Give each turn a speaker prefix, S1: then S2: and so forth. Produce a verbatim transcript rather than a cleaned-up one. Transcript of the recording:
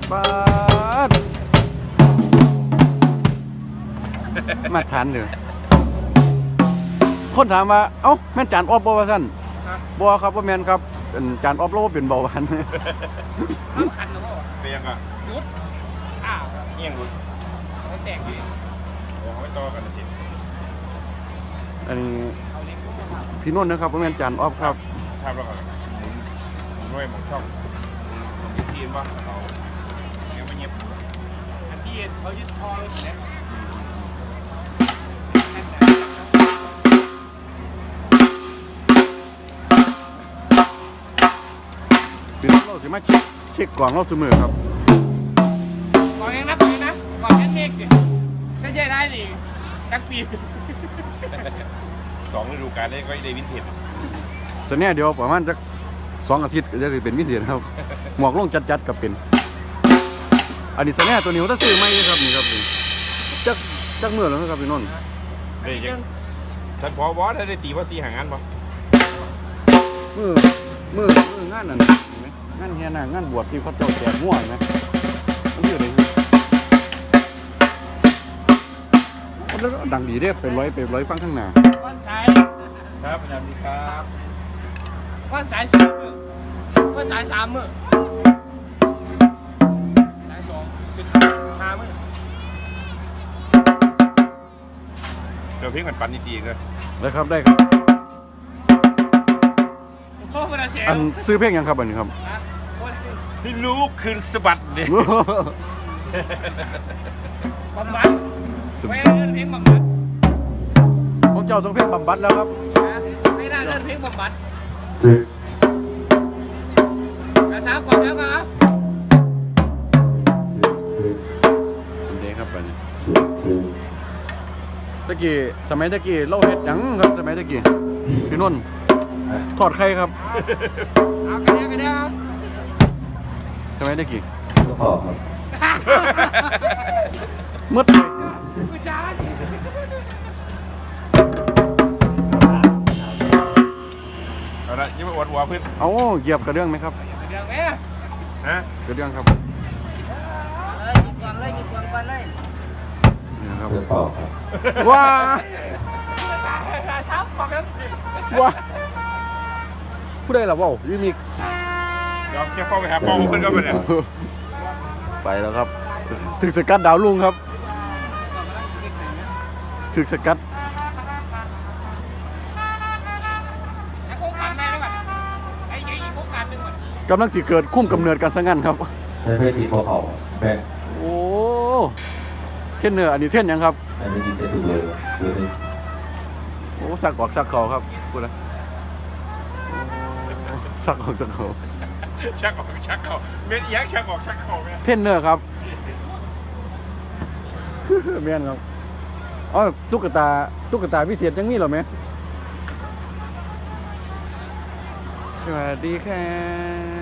S1: ป้าดมาทานเลยคนถามว่าเอ้าแม่นจานออฟบ่ว่าท่านบ่ครับว่าแม่นครับจานออฟเราเป็นเบาหวาน
S2: ข้ามขันหรือเปล่า
S3: เป็นยังไง
S2: ยุดอ้าว
S3: เงี้ยงรุด
S2: เขาแตกดี
S3: โอ้ไม่ต่อกันจริง
S1: อันนี้พี่นุ่นนะครับว่าแม่นจานออฟครับ
S3: ทำแล้วก็หมุนหมุนด้วยหมุนช่องหมุนทีมว่าเราเงี้ยไม่เงียบ
S2: อันที่เขายึดคอเลยเนี่ย
S1: พี่นุ่นเราสิมาเช็คเช็คกล่องเราเสมอครับ
S2: ก่อนยังนะก่อนยังนะก่อนแค่เมฆดิไม่ใช่ได้ดิกักปี
S3: สองฤดูกาลได้ก็ได้วินเทจ
S1: ตอนนี้เดี๋ยวประมาณสักสองอาทิตย์ก็จะเป็นวินเทจครับหมวกลงจัดๆกับเป็นอันนี้ตอนนี้ตัวนี้เขาซื้อไม่ครับนี่ครับจักจักเมื่อแล้วครับพี่นุ่น
S3: เฮ้ยยังฉันพอบอสได้ตีว่าซีหางานป่ะ
S1: มือมือมืองานนั่นงานเฮียน่ะงานบวชที่เขาเจ้าแจกม่วงไหมมันคืออะไรแล้วดังดีเด้เป็นร้อยเป็นร้อยฟังข้างหน้า
S2: ก้อนสาย
S3: ครับสวัสดีครับ
S2: ก้อนสายสามมือก้อนสายสามมือสายสองเป็นห้ามือ
S3: เดี๋ยวเพิ่งมันปั่นดีๆเลย
S1: ได้ครับได้ครับ
S2: โอ้มันเสีย
S1: อันซื้อเพลงยังครับอันนี้ครับ
S3: นี่ลูกคืนสะบัดเนี่ย
S2: บำบัดไม่ได้เล่นเพลงบำบัด
S1: พวกเจ้าต้องเพลงบำบัดแล้วครับ
S2: ไม่ได้เล่นเพลงบำบัดกระช้าก่อนแล้วครับ
S1: เด็กครับอันนี้ตะกี้สมัยตะกี้เล่าเฮ็ดยังครับสมัยตะกี้พี่นุ่นทอดไข่ครับ
S2: เอากระเดียวกระเดียว
S1: สมัยตะกี้
S4: ก็พอครับ
S1: มืดเลย
S2: กูจ้า
S3: เอาละยังไม่อวดหัวพื้น
S1: เอาเหยียบกระเดื่องไหมครับ
S2: กระเดียวไหม
S3: ฮะ
S1: กระเดื่องครับ
S2: เลยหยิบก่อนเลยหยิบก่อนก่อนเลย
S1: นี่ครับ
S4: ก็พอครับ
S1: ว้า
S2: ช้าก่อนกัน
S1: ว้าผู้ใดล่ะว้าวยูมิก
S3: เดี๋ยวแค่เข้าไปหาป้องพื้นก็ไปเนี่ย
S1: ไปแล้วครับถึกสกัดดาวลุงครับถึกสกัด
S2: โครงการไหมได้ป่ะไอ้ยี่โครงการหนึ่งป่ะ
S1: กำลังสิเกิดคุ้มกำเนิดการสร้างงานครับ
S4: ไม่ใช่ทีมพอเขาแบง
S1: โอ้เท่นเนื้ออันนี้เท่นยังครับ
S4: อันนี้ดีเซถูกเลยดูสิ
S1: โอ้สักออกสักเขาครับพูดนะสักออกสักเขา
S3: ชักออกชักเข่าเม็ดยักษ์ชักออกชักเข่า
S1: เท่นเนื้อครับเมียนครับอ๋อตุ๊กตาตุ๊กตาพิเศษยังมีหรอไหมสวัสดีครับ